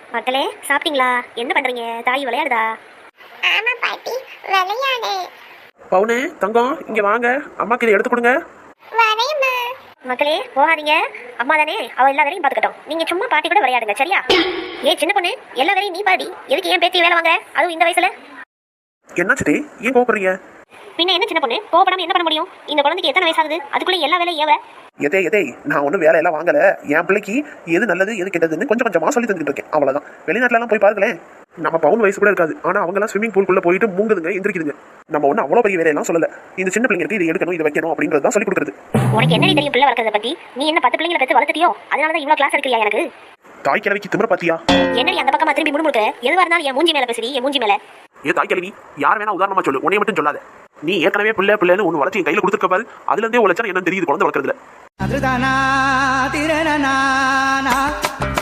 மக்களே சாப்பிட்டீங்களா? என்ன பண்றீங்க? தாய் விளையாடுதா? ஆமா பாட்டி, விளையாடு. பவுனு தங்கம் இங்க வாங்க, அம்மாக்கு இதை எடுத்து கொடுங்க. வரேம்மா. மக்களே போகாதீங்க, அம்மா தானே, அவ எல்லா வேலையும் பாத்துக்கட்டும். நீங்க சும்மா பாட்டி கூட விளையாடுங்க, சரியா? சின்ன பொண்ணு, எல்லா வேலையும் நீ பாடி, எதுக்கு ஏன் பேத்தி வேலை வாங்க, அதுவும் இந்த வயசுல? என்னாச்சுடி, ஏன் கோபப்படுறீங்க? பின்ன என்ன சின்ன பொண்ணு, கோபப்படாம என்ன பண்ண முடியும்? இந்த குழந்தைக்கு எத்தனை வயசாகுது, அதுக்குள்ள எல்லா வேலையும் ஏவ? எதே நான் ஒன்றும் வேலையெல்லாம் வாங்கல. என் பிள்ளைக்கு எது நல்லது எது கெட்டதுன்னு கொஞ்சம் கொஞ்சமா சொல்லி தந்துட்டு இருக்கேன், அவ்வளவுதான். வெளிநாட்டுல போய் பாருங்களேன், நம்ம பவுன் வயசு கூட இருக்காது, ஆனா அவங்க எல்லாம் ஸ்விமிங் பூல்குள்ள போயிட்டு மூங்குதுங்க, எந்திரிக்குதுங்க. நம்ம ஒன்றும் அவ்வளோ பெரிய வேலையெல்லாம் சொல்லல. இந்த சின்ன பிள்ளைங்களுக்கு இதை எடுக்கணும், இதை வைக்கணும் அப்படின்றது தான் சொல்லி கொடுக்குறது. உனக்கு என்ன தெரியும் பிள்ளை வளர்க்கறத பத்தி? நீ என்ன 10 பிள்ளைங்களை பெற்று வளர்த்துட்டியோ? அதனாலதான் இவ்வளவு கிளாஸ் எடுக்கிறியா எனக்கு? தாய் கிழவிக்கு திமிர பாத்தியா? என்னடி அந்த பக்கமா திரும்பி முணுமுணுக்க? எதுவா இருந்தாலும் என் மூஞ்சி மேல பேசுறீ, என் மூஞ்சி மேல. தாய் கிழவி, யார் வேணா உதாரணமா சொல்லு, உன்னைய மட்டும் சொல்லாத. நீ ஏற்கனவே பிள்ளைன்னு ஒன்று வளர்ச்சி கையில கொடுத்துருக்க பாரு, அதுல இருந்தே உழைச்சா என்ன தெரியுது குழந்தை வளர்க்கறதுல.